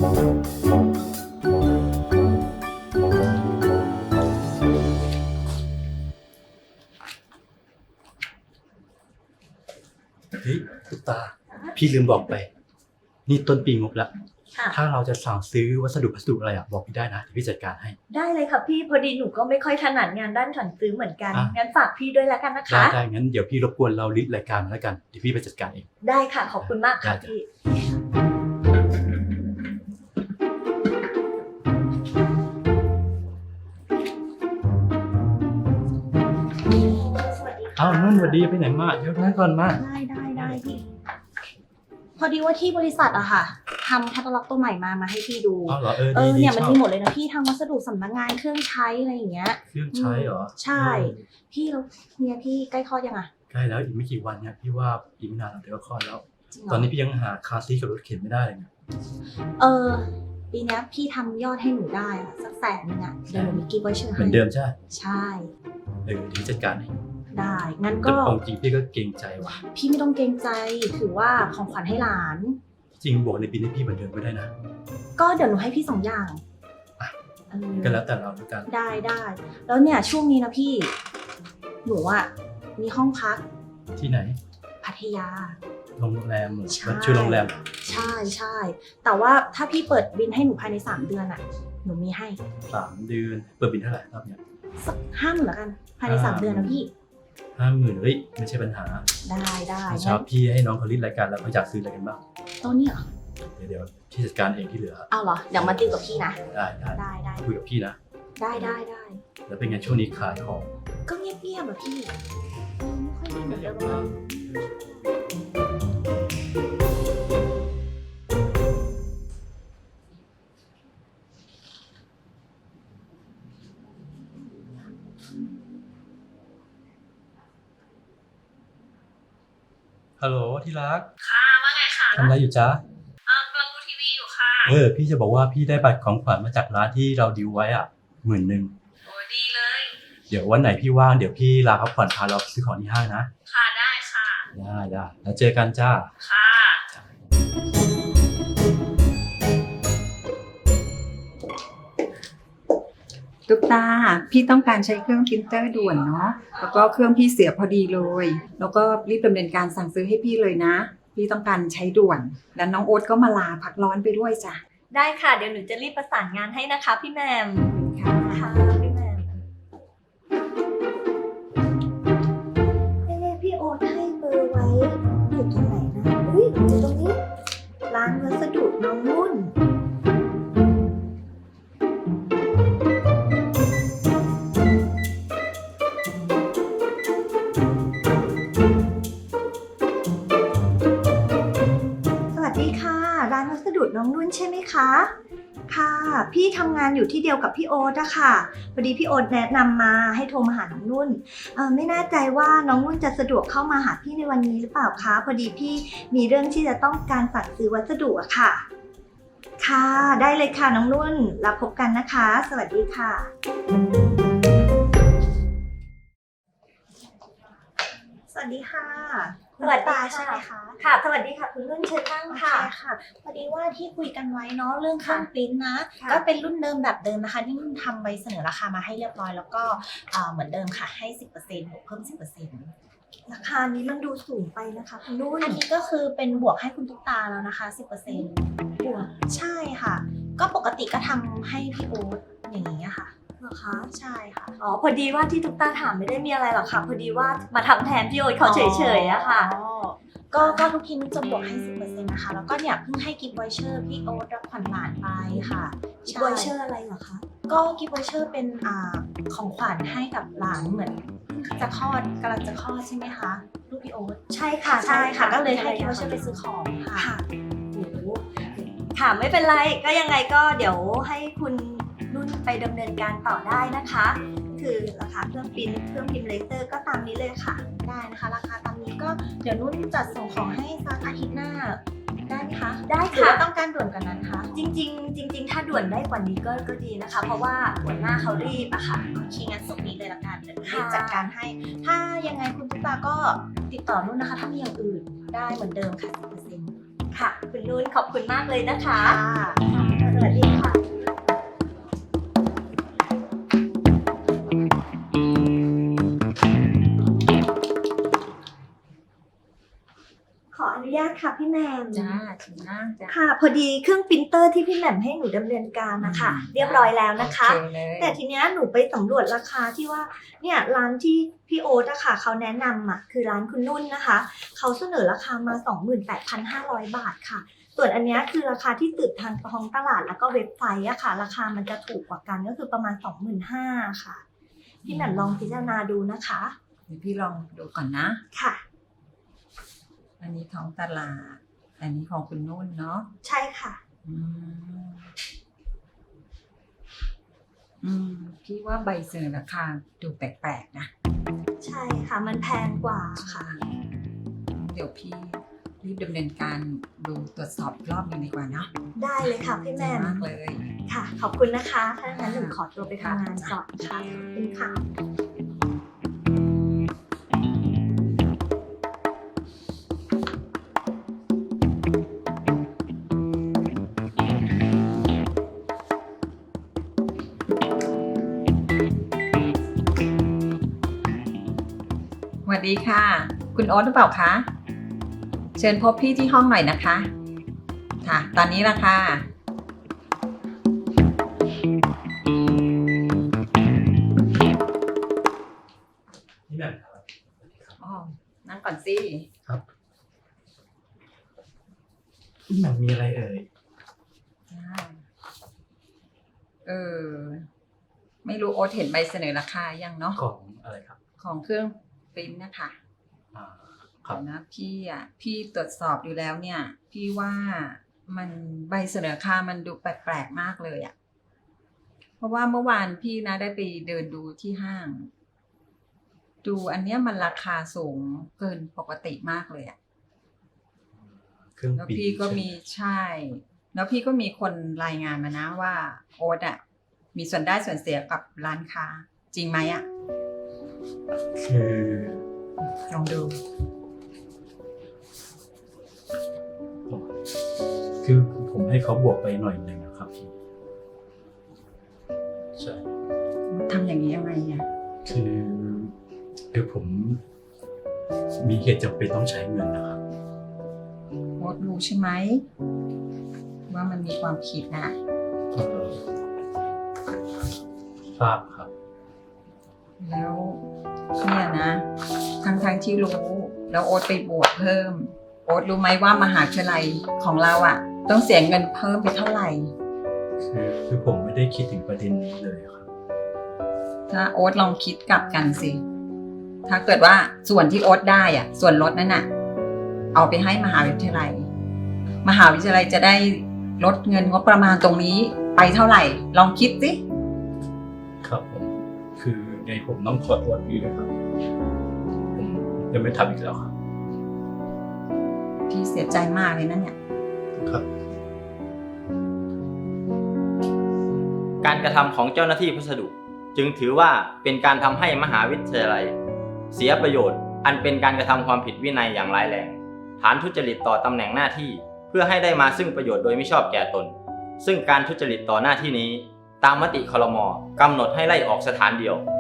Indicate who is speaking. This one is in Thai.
Speaker 1: เฮ้ยตุ๊กตาพี่ลืมบอกไปนี่ต้นปีงบแล้ว
Speaker 2: ค่ะ
Speaker 1: ถ้าเราจะสั่งซื้อวัสดุอะไรบอกพี่ได้นะเดี๋ยวพี่จัดการให้
Speaker 2: ได้เลยค่ะพี่พอดีหนูก็ไม่ค่อยถนัดงานด้านสั่งซื้อเหมือนกัน
Speaker 1: อ่ะ
Speaker 2: งั้นฝากพี่ด้วยแล้วกันนะคะ
Speaker 1: ได้งั้นเดี๋ยวพี่รบกวนเราลิสต์รายการมาแล้วกันเดี๋ยวพี่ไปจัดการเอง
Speaker 2: ได้ค่ะขอบคุณมากค่ะ
Speaker 1: ได้จ้ะ
Speaker 2: พี่สวัสดีค่ะ
Speaker 1: อ้าวนุ่นสวัสดีไปไหนมาเดี๋ยวนั่งก่อนมา
Speaker 3: ได้พี่พอดีว่าที่บริษัทอะค่ะทำแคตตาล็อกตัวใหม่มาให้พี่ดู
Speaker 1: อ้าวเหรอดี
Speaker 3: เนี่ย
Speaker 1: ช
Speaker 3: มัน
Speaker 1: อบ
Speaker 3: มีหมดเลยนะพี่ทั้งวัสดุสำนักงานเครื่องใช้อะไรอย่างเงี้ย
Speaker 1: เครื่องใช้เหรอ
Speaker 3: ใช่ พี่แล้วเนี่ยพี่ใกล้คลอดยังอะ
Speaker 1: ใกล้แล้วอีกไม่กี่วันเนี่ยพี่ว่าอีกไม่นานเราเดี๋ยวก็คลอดแล้ว
Speaker 3: จริงเหร
Speaker 1: ตอนนี้พี่ยังหาคาร์ซีทกับรถเข็นไม่ได้เลยเนี่ย
Speaker 3: ปีเนี้ยพี่ทำยอดให้หนูได้อะสัก100,000อะเดี๋ยวหนูมีกิฟต์ไวเชอร์
Speaker 1: เห
Speaker 3: ให้
Speaker 1: มือนเดิมใช่ไหม
Speaker 3: ใช่
Speaker 1: เดี๋ยวพี่จัดการให้
Speaker 3: ได้งั้น
Speaker 1: แต่
Speaker 3: ก็
Speaker 1: ความจริงพี่ก็เกรงใจว่ะ
Speaker 3: พี่ไม่ต้องเกรงใจถือว่าของขวัญให้หลาน
Speaker 1: จริงบอกในปีนี้พี่เหมือนเดิมก็ได้นะ
Speaker 3: ก็เดี๋ยวหนูให้พี่2 อย่าง
Speaker 1: อ่ะ
Speaker 3: เออ
Speaker 1: ก็แล้วแต่เราแล้วกัน
Speaker 3: ได้แล้วเนี่ยช่วงนี้นะพี่ หนูอ่ะมีห้องพัก
Speaker 1: ที่ไหน
Speaker 3: พัทยา
Speaker 1: โรงแรมเหรอ
Speaker 3: ใช่
Speaker 1: มันชื่อโรงแรมเหรอ
Speaker 3: ใช่แต่ว่าถ้าพี่เปิดบินให้หนูภายใน3 เดือนอ่ะหนูมีให้
Speaker 1: 3 เดือนเปิดบินเท่าไหร่รอบเนี้ย
Speaker 3: สัก50,000แล้วกันภายใน3 เดือนนะพี่
Speaker 1: 50,000เฮ้ยไม่ใช่ปัญหา
Speaker 3: ได้
Speaker 1: เช้าพี่ให้น้องเขาลิสต์รายการแล้วเขาอยากซื้ออะไรกันบ้าง
Speaker 3: ตัวนี้เหรอ
Speaker 1: เดี๋ยวพี่จัดการเองที่เหลือ
Speaker 3: เอาเหรอเดี๋ยวมาติวกับพี่นะ
Speaker 1: ได้คุยกับพี่นะ
Speaker 3: ได้
Speaker 1: แล้วเป็นไงช่วงนี้ขายของ
Speaker 3: ก็เงียบๆแบบพี่ไม่ค่อยดีเหมือนเดิมเลย
Speaker 1: ฮัลโหลที่รัก
Speaker 4: ค่ะว่าไงคะ
Speaker 1: ทำอะไรอยู่จ๊ะ
Speaker 4: กำลังดูทีวีอยู่ค่ะ
Speaker 1: พี่จะบอกว่าพี่ได้บัตรของขวัญมาจากร้านที่เราดีลไว้อ่ะ10,000
Speaker 4: โอ้ดีเลย
Speaker 1: เดี๋ยววันไหนพี่ว่างเดี๋ยวพี่ลาพักผ่อนพาเราไปซื้อของที่ห้างนะ
Speaker 4: ค่ะได้ค่ะ
Speaker 1: ได้แล้วเจอกันจ้า
Speaker 4: ค่ะ
Speaker 5: ตุ๊กตาพี่ต้องการใช้เครื่องพรินเตอร์ด่วนเนาะแล้วก็เครื่องพี่เสียพอดีเลยแล้วก็รีบดำเนินการสั่งซื้อให้พี่เลยนะพี่ต้องการใช้ด่วนแล้วน้องโอ๊ตก็มาลาพักร้อนไปด้วยจ้ะ
Speaker 2: ได้ค่ะเดี๋ยวหนูจะรีบประสานงานให้นะคะพี่แหมม
Speaker 5: ค่ะ
Speaker 2: ค่ะพี่แหมมพี่โอ๊ตให้เบอร์ไว้อยู่ตรงไหนนะอุ้ยอยู่ตรงนี้ร้านวัสดุน้องนุ่น สวัสดีค่ะ ร้านวัสดุน้องนุ่นใช่ไหมคะ ค่ะ พี่ทำงานอยู่ที่เดียวกับพี่โอ๊ตอะค่ะพอดีพี่โอ๊ตแนะนำมาให้โทรมาหาน้องนุ่นไม่แน่ใจว่าน้องนุ่นจะสะดวกเข้ามาหาพี่ในวันนี้หรือเปล่าคะพอดีพี่มีเรื่องที่จะต้องการสั่งซื้อวัสดุอะค่ะ ค่ะ ได้เลยค่ะน้องนุ่นแล้วพบกันนะคะ สวัสดีค่ะ สวัสดีค่ะ
Speaker 3: สวัสดีค่ะ
Speaker 2: ใช่ไหมคะค่ะ สวัสดีค่ะคุณนุ่นเชิญนั่ง
Speaker 3: โอเค
Speaker 2: ค่ะ
Speaker 3: ค่ะพอดีว่าที่คุยกันไว้เนาะเรื่องเครื่อง
Speaker 2: ค่ะ
Speaker 3: ปริ้นท์นะ
Speaker 2: ค่ะ
Speaker 3: ก็เป็นรุ่นเดิมแบบเดิมนะคะที่นุ่นทำใบเสนอราคามาให้เรียบร้อยแล้วก็เหมือนเดิมค่ะให้ 10%บวกเพิ่ม 10%
Speaker 2: ราคานี้มันดูสูงไปนะคะคุณนุ่น
Speaker 3: อันนี้ก็คือเป็นบวกให้คุณตุ๊กตาแล้วนะคะ 10%
Speaker 2: บวก
Speaker 3: ใช่ค่ะ ก็ปกติก็ทำให้พี่โอ๊ตอย่างนี้ค่ะ
Speaker 2: เหรอคะ
Speaker 3: ใช่ค่ะ
Speaker 2: อ๋อพอดีว่าที่ตุ๊กตาถามไม่ได้มีอะไรหรอกค่ะพอดีว่ามาทำแทนพี่โอ๊ตเขาเฉยๆอะค่ะ
Speaker 3: อ๋อก็ทุกทีนุ่นจะบวกให้ 10%นะคะแล้วก็เนี่ยเพิ่งให้กิฟต์วอยเชอร์พี่โอ๊ตรับขวัญหลานไปค่ะ
Speaker 2: อีกไวเชอร์อะไรเหรอคะ
Speaker 3: ก็กิฟต์วอยเชอร์เป็นของขวัญให้กับหลานเหมือนจะคลอดกำลังจะคลอดใช่ไหมคะลูกพี่โอ๊ต
Speaker 2: ใช่ค่ะ
Speaker 3: ใช่ค่ะก็เลยให้กิฟต์วอยเชอร์ไปซื้อของค่ะ
Speaker 2: ค่ะโอ้โหค่ะไม่เป็นไรก็ยังไงก็เดี๋ยวให้คุณนุ่นไปดำเนินการต่อได้นะคะ คือราคาเครื่องพิมพ์เลเซอร์ก็ตามนี้เลยค่ะ
Speaker 3: ได้นะคะราคาตามนี้ก็เดี๋ยวนุ่นจัดส่งของให้สักอาทิตย์หน้าได้ไหมคะ
Speaker 2: ได้
Speaker 3: หรือ
Speaker 2: ค่ะ
Speaker 3: ว่าต้องการด่วนกว่านั้นคะ
Speaker 2: จริงๆถ้าด่วนได้กว่านี้ก็ดีนะคะ เพราะว่าหัวหน้าเขารีบอะค่ะ
Speaker 3: โอเคงั้นส่งนี้เลยละกันเดี๋ยวรีบ
Speaker 2: ค่ะ
Speaker 3: จัดการให้ ถ้ายังไงคุณตุ๊กตาก็ติดต่อนุ่นนะคะ ถ้ามีอย่างอื่นได้เหมือนเดิมค่ะ 10%
Speaker 2: ค่ะ คุณนุ่นขอบคุณมากเลยนะคะ
Speaker 3: ค่ะ
Speaker 2: วัสดีค่ะ ขออนุญาตค่ะพี่แหม่ม
Speaker 5: จ้าชิมนะจ้า
Speaker 2: ค่ะ พอดีเครื่องปรินเตอร์ที่พี่แหม่มให้หนูดำเนินการนะคะ เรียบร้อยแล้วนะคะ
Speaker 5: โอเคเลย
Speaker 2: แต่ทีเนี้ยหนูไปสำรวจราคาที่ว่าเนี่ยร้านที่พี่โอ๊ตอะค่ะเขาแนะนำอะคือร้านคุณนุ่นนะคะเขาเสนอราคามา 28,500 บาทค่ะ ส่วนอันเนี้ยคือราคาที่สืบทางท้องตลาดแล้วก็เว็บไซต์อะค่ะ ราคามันจะถูกกว่ากันก็คือประมาณ 25,000ค่ะพี่แหม่มลองพิจารณาดูนะคะ
Speaker 5: เดี๋ยวพี่ลองดูก่อนนะ
Speaker 2: ค่ะ
Speaker 5: อันนี้ท้องตลาด อันนี้ของคุณนุ่นเนาะ
Speaker 2: ใช่ค่ะ
Speaker 5: อืมพี่ว่าใบเสนอราคาดูแปลกๆนะ
Speaker 2: ใช่ค่ะมันแพงกว่าค่ะ
Speaker 5: เดี๋ยวพี่รีบดำเนินการดูตรวจสอบอีกรอบหนึงดีกว่าเนาะ
Speaker 2: ได้เลยค่ะพี่แหม่ม
Speaker 5: มากเลย
Speaker 2: ค่ะ ขอบคุณนะคะ ถ้างั้นหนูขอตัวไปทำงานก่อนค่ะ ขอบคุณค่ะ
Speaker 5: สวัสดีค่ะ คุณโอ๊ตหรือเปล่าคะ เชิญพบพี่ที่ห้องหน่อยนะคะ ค่ะ ตอนนี้ละค่ะ
Speaker 1: นี่แบบครับ
Speaker 5: อ๋อ นั่งก่อนสิ
Speaker 1: ครับนี่แบบมีอะไรเอ่ย
Speaker 5: จ้าไม่รู้โอ๊ตเห็นใบเสนอราคายังเนาะ
Speaker 1: ของอะไรครับ
Speaker 5: ของเครื่องปริ้นท์นะคะ
Speaker 1: อ่าครับ
Speaker 5: นะพี่ตรวจสอบดูแล้วเนี่ย พี่ว่ามันใบเสนอราคามันดูแปลกๆมากเลยอะเพราะว่าเมื่อวานพี่นะได้ไปเดินดูที่ห้าง ดูอันเนี้ยมันราคาสูงเกินปกติมากเลยอะ
Speaker 1: เครื่อง
Speaker 5: แล้ว
Speaker 1: ปี
Speaker 5: พี่ก็มีใช่ แล้วพี่ก็มีคนรายงานมานะว่าโอ๊ตอะมีส่วนได้ส่วนเสียกับร้านค้า จริงไหมอะ
Speaker 1: คือ
Speaker 5: ลองดู
Speaker 1: คือผมให้เขาบวกไปหน่อยหนึ่งนะครับพี่ใช่
Speaker 5: ทำอย่างนี้ยังไงอะ
Speaker 1: คือผมมีเหตุจำเป็นต้องใช้เงินนะครับ
Speaker 5: โอ๊ตรู้ใช่ไหมว่ามันมีความผิดนะ
Speaker 1: เออทราบครับ
Speaker 5: แล้วเนี่ยนะทั้งที่รู้แล้วโอ๊ตไปบวกเพิ่ม โอ๊ตรู้ไหมว่ามหาวิทยาลัยของเราอะต้องเสียเงินเพิ่มไปเท่าไหร่
Speaker 1: คือผมไม่ได้คิดถึงประเด็นนี้เลยครับ
Speaker 5: ถ้าโอ๊ตลองคิดกลับกันสิ ถ้าเกิดว่าส่วนที่โอ๊ตได้อะส่วนลดนั้นอะเอาไปให้มหาวิทยาลัย มหาวิทยาลัยจะได้ลดเงินงบประมาณตรงนี้ไปเท่าไหร่ ลองคิดสิ
Speaker 1: ครับผมคือไงผมต้องขอโทษพี่ด้วยครับผมจะไม่ทำอีกแล้วครับ
Speaker 5: พี่เสียใจมากเลยนะเนี่ย
Speaker 1: ครับ
Speaker 6: การกระทำของเจ้าหน้าที่พัสดุจึงถือว่าเป็นการทำให้มหาวิทยาลัยเสียประโยชน์อันเป็นการกระทำความผิดวินัยอย่างร้ายแรงฐานทุจริตต่อตำแหน่งหน้าที่เพื่อให้ได้มาซึ่งประโยชน์โดยไม่ชอบแก่ตนซึ่งการทุจริตต่อหน้าที่นี้ตามมติครม.กำหนดให้ไล่ออกสถานเดียว